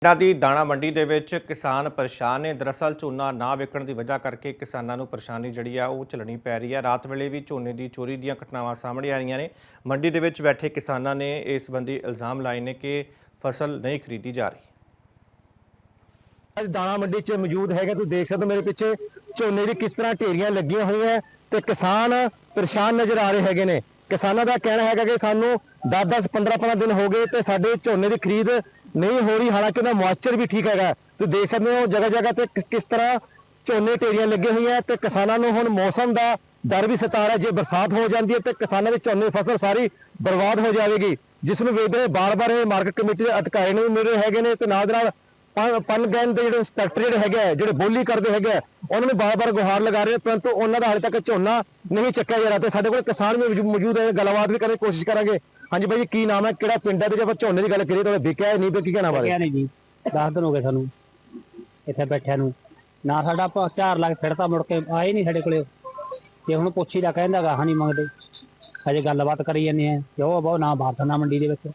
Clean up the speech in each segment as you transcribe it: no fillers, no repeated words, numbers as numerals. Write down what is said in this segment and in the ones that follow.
ਪਿੰਡਾਂ ਦੀ ਦਾਣਾ ਮੰਡੀ ਦੇ ਵਿੱਚ ਕਿਸਾਨ ਪਰੇਸ਼ਾਨ ਨੇ। ਦਰਅਸਲ ਝੋਨਾ ਨਾ ਵਿਕਣ ਦੀ ਵਜ੍ਹਾ ਕਰਕੇ ਕਿਸਾਨਾਂ ਨੂੰ ਪਰੇਸ਼ਾਨੀ ਜਿਹੜੀ ਆ ਉਹ ਝੱਲਣੀ ਪੈ ਰਹੀ ਹੈ। ਰਾਤ ਵੇਲੇ ਵੀ ਝੋਨੇ ਦੀ ਚੋਰੀ ਦੀਆਂ ਘਟਨਾਵਾਂ ਸਾਹਮਣੇ ਆ ਰਹੀਆਂ ਨੇ। ਮੰਡੀ ਦੇ ਵਿੱਚ ਬੈਠੇ ਕਿਸਾਨਾਂ ਨੇ ਇਸ ਸੰਬੰਧੀ ਇਲਜ਼ਾਮ ਲਾਏ ਨੇ ਕਿ ਫਸਲ ਨਹੀਂ ਖਰੀਦੀ ਜਾ ਰਹੀ। ਅੱਜ ਦਾਣਾ ਮੰਡੀ 'ਚ ਮੌਜੂਦ ਹੈਗਾ, ਤੁਸੀਂ ਦੇਖ ਸਕਦੇ ਹੋ ਮੇਰੇ ਪਿੱਛੇ ਝੋਨੇ ਦੀ ਕਿਸ ਤਰ੍ਹਾਂ ਢੇਰੀਆਂ ਲੱਗੀਆਂ ਹੋਈਆਂ ਤੇ ਕਿਸਾਨ ਪਰੇਸ਼ਾਨ ਨਜ਼ਰ ਆ ਰਹੇ ਹੈਗੇ ਨੇ। ਕਿਸਾਨਾਂ ਦਾ ਕਹਿਣਾ ਹੈਗਾ ਕਿ ਸਾਨੂੰ 10-10 15-15 ਦਿਨ ਹੋ ਗਏ ਤੇ ਸਾਡੇ ਝੋਨੇ ਦੀ ਖਰੀਦ ਨਹੀਂ ਹੋ ਰਹੀ, ਹਾਲਾਂਕਿ ਉਹਦਾ ਮੌਇਸਚਰ ਵੀ ਠੀਕ ਹੈਗਾ। ਤੁਸੀਂ ਦੇਖ ਸਕਦੇ ਹੋ ਜਗ੍ਹਾ ਜਗ੍ਹਾ ਤੇ ਕਿਸ ਤਰ੍ਹਾਂ ਝੋਨੇ ਢੇਰੀਆਂ ਲੱਗੀਆਂ ਹੋਈਆਂ ਤੇ ਕਿਸਾਨਾਂ ਨੂੰ ਹੁਣ ਮੌਸਮ ਦਾ ਡਰ ਵੀ ਸਤਾ ਰਿਹਾ। ਜੇ ਬਰਸਾਤ ਹੋ ਜਾਂਦੀ ਹੈ ਤੇ ਕਿਸਾਨਾਂ ਦੀ ਝੋਨੇ ਦੀ ਫਸਲ ਸਾਰੀ ਬਰਬਾਦ ਹੋ ਜਾਵੇਗੀ, ਜਿਸ ਨੂੰ ਵੇਖਦੇ ਹੋਏ ਬਾਰ-ਬਾਰ ਇਹ ਮਾਰਕੀਟ ਕਮੇਟੀ ਦੇ ਅਧਿਕਾਰੀ ਨੂੰ ਵੀ ਮਿਲ ਰਹੇ ਹੈਗੇ ਨੇ ਤੇ ਨਾਲ ਦੇ ਨਾਲ ਪਨਗੈਨ ਦੇ ਜਿਹੜੇ ਇੰਸਪੈਕਟਰ ਜਿਹੜੇ ਹੈਗੇ ਜਿਹੜੇ ਬੋਲੀ ਕਰਦੇ ਹੈਗੇ ਉਹਨਾਂ ਨੂੰ ਬਾਰ-ਬਾਰ ਗੁਹਾਰ ਲਗਾ ਰਹੇ, ਪਰੰਤੂ ਉਹਨਾਂ ਦਾ ਹਾਲੇ ਤੱਕ ਝੋਨਾ ਨਹੀਂ ਚੱਕਿਆ ਜਾ ਰਿਹਾ। ਤੇ ਸਾਡੇ ਕੋਲ ਕਿਸਾਨ ਵੀ ਮੌਜੂਦ ਹੈ, ਗੱਲਬਾਤ ਵੀ ਕਰਨ ਦੀ ਕੋਸ਼ਿਸ਼ ਕਰਾਂਗੇ। ਹਾਂਜੀ ਬਾਈ ਜੀ, ਕੀ ਨਾਮ ਹੈ, ਕਿਹੜਾ ਪਿੰਡ ਹੈ ਤੇ ਜੇ ਆਪਾਂ ਝੋਨੇ ਦੀ ਗੱਲ ਕਰੀਏ ਤਾਂ ਵਿਕਿਆ ਨਹੀਂ ਵਿਕੀ ਕਹਿਣਾ ਬਾਰੇ? ਨਹੀਂ ਜੀ, 10 ਦਿਨ ਹੋ ਗਏ ਸਾਨੂੰ ਇੱਥੇ ਬੈਠਿਆਂ ਨੂੰ। ਨਾ ਸਾਡਾ 4 ਲੱਖ ਫਿਰਤਾ ਮੁੜ ਕੇ ਆਏ ਨਹੀਂ ਸਾਡੇ ਕੋਲੇ। ਤੇ ਹੁਣ ਪੁੱਛੀ ਦਾ ਕਹਿੰਦਾ ਗਾਹਾਂ ਨਹੀਂ ਮੰਗਦੇ, ਹਜੇ ਗੱਲਬਾਤ ਕਰੀ ਜਾਂਦੇ ਆ ਕਿ ਉਹ ਬਹੁਤ ਨਾ ਬਾਰਦਾਨਾ ਮੰਡੀ ਦੇ ਵਿੱਚ।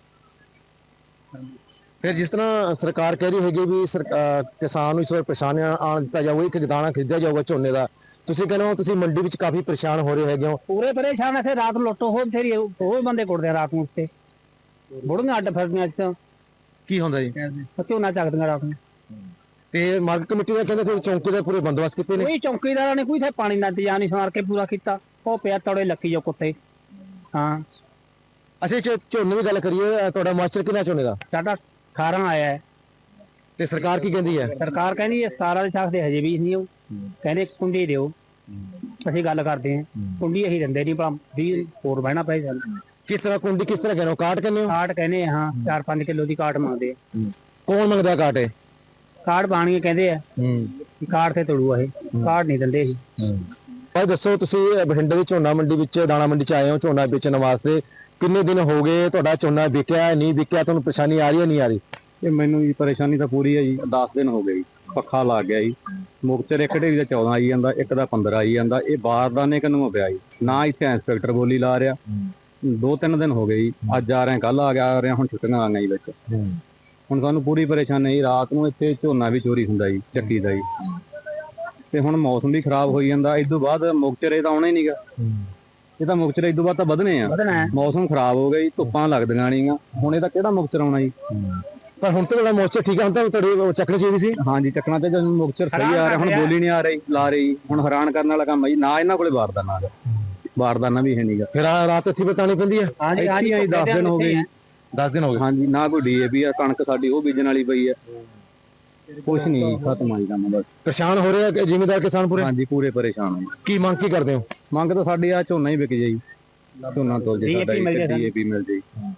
ਫਿਰ ਜਿਸ ਤਰ੍ਹਾਂ ਸਰਕਾਰ ਕਹਿ ਰਹੀ ਹੈਗੀ ਵੀ ਕਿਸਾਨ ਨੂੰ ਇਸ ਵਾਰ ਪਰੇਸ਼ਾਨੀ ਆਣ ਦਿੱਤਾ ਜਾਊਗਾ, ਇੱਕ ਦਾਣਾ ਖਰੀਦਿਆ ਜਾਊਗਾ ਝੋਨੇ ਦਾ, ਤੁਸੀਂ ਕਹਿੰਦੇ ਹੋ ਤੁਸੀਂ ਮੰਡੀ ਵਿੱਚ ਕਾਫੀ ਪਰੇਸ਼ਾਨ ਹੋ ਰਹੇ ਹੈਗੇ ਹੋ। ਪੂਰੇ ਪਰੇਸ਼ਾਨ ਇੱਥੇ ਰਾਤ ਨੂੰ ਲੁੱਟੋ ਹੋ ਬਥੇਰੀ, ਉਹ ਬੰਦੇ ਕੁੱਟਦੇ ਰਾਤ ਨੂੰ ਉੱਤੇ ਬੁੜੀਆਂ ਅੱਡ ਫਿਰਦੀਆਂ। ਇੱਥੇ ਕੀ ਹੁੰਦਾ ਜੀ? ਝੋਨਾ ਚੱਕਦੀਆਂ ਰਾਤ ਨੂੰ। ਤੇ ਮਾਰਕੀਟ ਕਮੇਟੀ ਦਾ ਕਹਿੰਦੇ ਫਿਰ ਚੌਂਕੀ ਦੇ ਪੂਰੇ ਬੰਦੋਬਸਤ ਕੀਤੇ ਨੇ। ਕੋਈ ਚੌਂਕੀਦਾਰਾਂ ਨੇ ਕੋਈ ਇੱਥੇ ਪਾਣੀ ਦਾ ਇੰਤਜ਼ਾਮ ਨਹੀਂ ਸਵਾਰ ਕੇ ਪੂਰਾ ਕੀਤਾ। ਉਹ ਪਿਆ ਤੜੇ ਲੱਕੀ ਜੋ ਕੁੱਤੇ। ਹਾਂ, ਅਸੀਂ ਝੋਨੇ ਦੀ ਗੱਲ ਕਰੀਏ, ਤੁਹਾਡਾ ਮੌਇਸਚਰ ਕਿੰਨਾ ਝੋਨੇ ਦਾ? ਸਾਡਾ 18 ਆਇਆ ਹੈ ਤੇ ਸਰਕਾਰ ਕੀ ਕਹਿੰਦੀ ਹੈ? ਸਰਕਾਰ ਕਹਿੰਦੀ ਹੈ 17 ਦੇ ਛਾਕ ਦੇ ਹਜੇ ਵੀ ਨਹੀਂ। ਉਹ ਕਹਿੰਦੇ ਕੁੰਡੀ ਦਿਓ, ਅਸੀਂ ਗੱਲ ਕਰਦੇ ਹਾਂ। ਕੁੰਡੀ ਅਸੀਂ ਦਿੰਦੇ ਨਹੀਂ, ਭਲਾ 20 ਹੋਰ ਬਹਿਣਾ ਪਏ ਸਾਨੂੰ। ਕਿਸ ਤਰ੍ਹਾਂ ਕੁੰਡੀ ਕਿਸ ਤਰ੍ਹਾਂ ਕਹਿੰਦੇ ਹੋ? ਕਾਟ ਕਹਿੰਦੇ ਹੋ? ਕਾਟ ਕਹਿੰਦੇ ਆ, ਹਾਂ 4-5 ਕਿਲੋ ਦੀ ਕਾਟ ਮੰਗਦੇ ਆ। ਕੌਣ ਮੰਗਦਾ ਕਾਟ? ਇਹ ਕਾਟ ਬਾਣੀਏ ਕਹਿੰਦੇ ਆ, ਕਾਟ ਤੇ ਤੜੂ ਇਹ ਕਾਟ ਨਹੀਂ ਦਿੰਦੇ ਅਸੀਂ। ਭਾਈ ਦੱਸੋ, ਤੁਸੀਂ ਬਠਿੰਡੇ ਦੀ ਝੋਨਾ ਮੰਡੀ ਵਿੱਚ ਦਾਣਾ ਮੰਡੀ 'ਚ ਆਏ ਹੋ ਝੋਨਾ ਵੇਚਣ ਵਾਸਤੇ, ਕਿੰਨੇ ਦਿਨ ਹੋ ਗਏ? ਤੁਹਾਡਾ ਝੋਨਾ ਵਿਕਿਆ ਨਹੀਂ ਵਿਕਿਆ? ਤੁਹਾਨੂੰ ਪਰੇਸ਼ਾਨੀ ਆ ਰਹੀ ਹੈ ਨਹੀਂ ਆ ਰਹੀ? ਇਹ ਮੈਨੂੰ ਜੀ ਪਰੇਸ਼ਾਨੀ ਤਾਂ ਪੂਰੀ ਹੈ ਜੀ। 10 ਦਿਨ ਹੋ ਗਏ ਜੀ, ਪੱਖਾ ਲੱਗ ਗਿਆ ਜੀ। ਮੁਕਤਸਰ ਇੱਕ ਢੇਰੀ ਦਾ 14 ਆਈ ਜਾਂਦਾ, ਇੱਕ ਦਾ 15 ਆਈ ਜਾਂਦਾ। ਇਹ ਬਾਰਦਾਨੇ ਕਿਨੂੰ ਪਿਆ ਜੀ, ਨਾ ਇੱਥੇ ਇੰਸਪੈਕਟਰ ਬੋਲੀ ਲਾ ਰਿਹਾ। 2-3 ਦਿਨ ਹੋ ਗਏ ਜੀ, ਅੱਜ ਆ ਰਹੇ ਕੱਲ ਆ ਰਹੇ, ਹੁਣ ਛੁੱਟੀਆਂ ਆ ਗਈਆਂ ਜੀ ਵਿੱਚ। ਹੁਣ ਸਾਨੂੰ ਪੂਰੀ ਪਰੇਸ਼ਾਨੀ ਜੀ। ਰਾਤ ਨੂੰ ਇੱਥੇ ਝੋਨਾ ਵੀ ਚੋਰੀ ਹੁੰਦਾ ਜੀ, ਚੱਕੀ ਦਾ ਜੀ। ਤੇ ਹੁਣ ਮੌਸਮ ਵੀ ਖਰਾਬ ਹੋਈ ਜਾਂਦਾ। ਇਸ ਤੋਂ ਬਾਅਦ ਮੁਕਤਸਰ ਇਹ ਤਾਂ ਆਉਣਾ ਹੀ ਨਹੀਂਗਾ। ਇਹ ਤਾਂ ਮੁਕਤਸਰ ਇਸ ਤੋਂ ਬਾਅਦ ਤਾਂ ਵਧਣੇ ਆ। ਮੌਸਮ ਖਰਾਬ ਹੋ ਗਿਆ ਜੀ, ਧੁੱਪਾਂ ਲੱਗਦੀਆਂ ਨਹੀਂਆਂ। ਹੁਣ ਇਹਦਾ ਕਿਹੜਾ ਮੁਕਤਸਰ ਆਉਣਾ ਜੀ? ਪਰ ਹੁਣ ਤਾਂ ਤੁਹਾਡਾ ਮੌਇਸਚਰ ਠੀਕ ਹੈ, ਹੁਣ ਤਾਂ ਤੁਹਾਡੇ ਚੱਕਣੀ ਚਾਹੀਦੀ ਸੀ। ਹਾਂਜੀ, ਚੱਕਣਾ ਤੇ ਜਦੋਂ ਮੁਕਤਸਰ ਸਹੀ ਆ ਰਿਹਾ, ਹੁਣ ਬੋਲੀ ਨਹੀਂ ਆ ਰਹੀ ਲਾ ਰਹੀ। ਹੁਣ ਹੈਰਾਨ ਕਰਨ ਵਾਲਾ ਕੰਮ ਹੈ ਜੀ। ਨਾ ਇਹਨਾਂ ਕੋਲੇ ਬਾਰਦਾਨਾ ਵੀ ਹੈ ਨਹੀਂਗਾ। ਫਿਰ ਰਾਤ ਇੱਥੇ ਬਿਤਾਉਣੀ ਪੈਂਦੀ ਹੈ। ਹਾਂਜੀ ਹਾਂਜੀ, 10 ਦਿਨ ਹੋ ਗਏ। 10 ਦਿਨ ਹੋ ਗਏ। ਹਾਂਜੀ, ਨਾ ਕੋਈ DAP ਆ, ਕਣਕ ਸਾਡੀ ਉਹ ਬੀਜਣ ਵਾਲੀ ਪਈ ਹੈ। ਕੁਛ ਨਹੀਂ, ਖਤਮ ਆਈ ਕੰਮ ਬਸ। ਪਰੇਸ਼ਾਨ ਹੋ ਰਹੇ ਆ ਜ਼ਿਮੀਂਦਾਰ ਕਿਸਾਨ ਪੂਰੇ? ਹਾਂਜੀ, ਪੂਰੇ ਪਰੇਸ਼ਾਨ ਆ। ਕੀ ਮੰਗ ਕੀ ਕਰਦੇ ਹੋ? ਮੰਗ ਤਾਂ ਸਾਡੀ ਆ ਝੋਨਾ ਹੀ ਵਿਕ ਜਾਈ, ਝੋਨਾ ਤੋਲ ਜੇ, ਸਾਡਾ DAP ਮਿਲ ਜਾਈ।